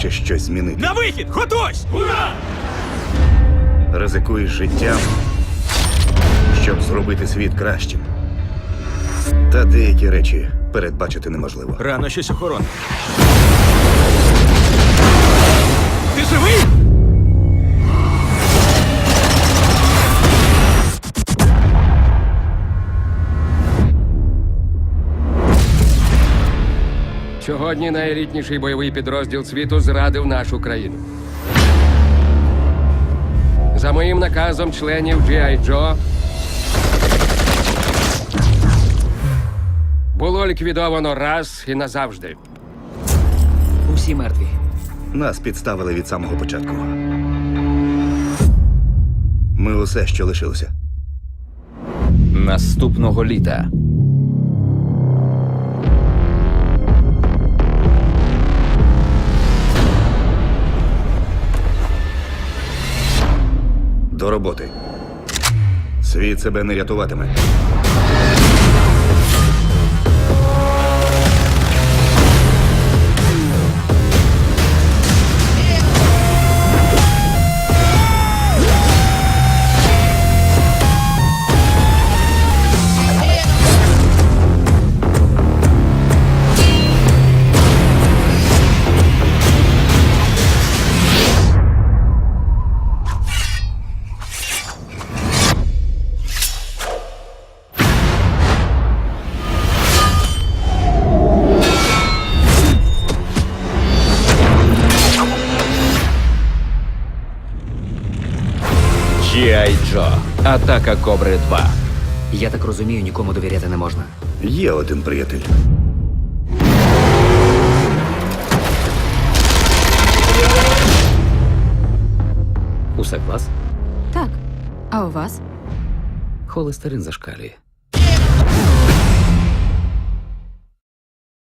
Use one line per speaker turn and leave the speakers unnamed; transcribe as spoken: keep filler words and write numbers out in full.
хочеш щось змінити.
На вихід! Готуйсь! Ура!
Ризикуєш життям, щоб зробити світ кращим. Та деякі речі передбачити неможливо.
Рано щось охорона. Ти живий?
Сьогодні найелітніший бойовий підрозділ світу зрадив нашу країну. За моїм наказом членів Джі Ай Джо було ліквідовано раз і назавжди.
Усі мертві.
Нас підставили від самого початку. Ми усе, що лишилося.
Наступного літа.
До роботи. Світ себе не рятуватиме.
Джі Ай Джо. Атака Кобри два.
Я так розумію, нікому довіряти не можна.
Є один приятель.
Усе клас?
Так. А у вас?
Холестерин зашкалює.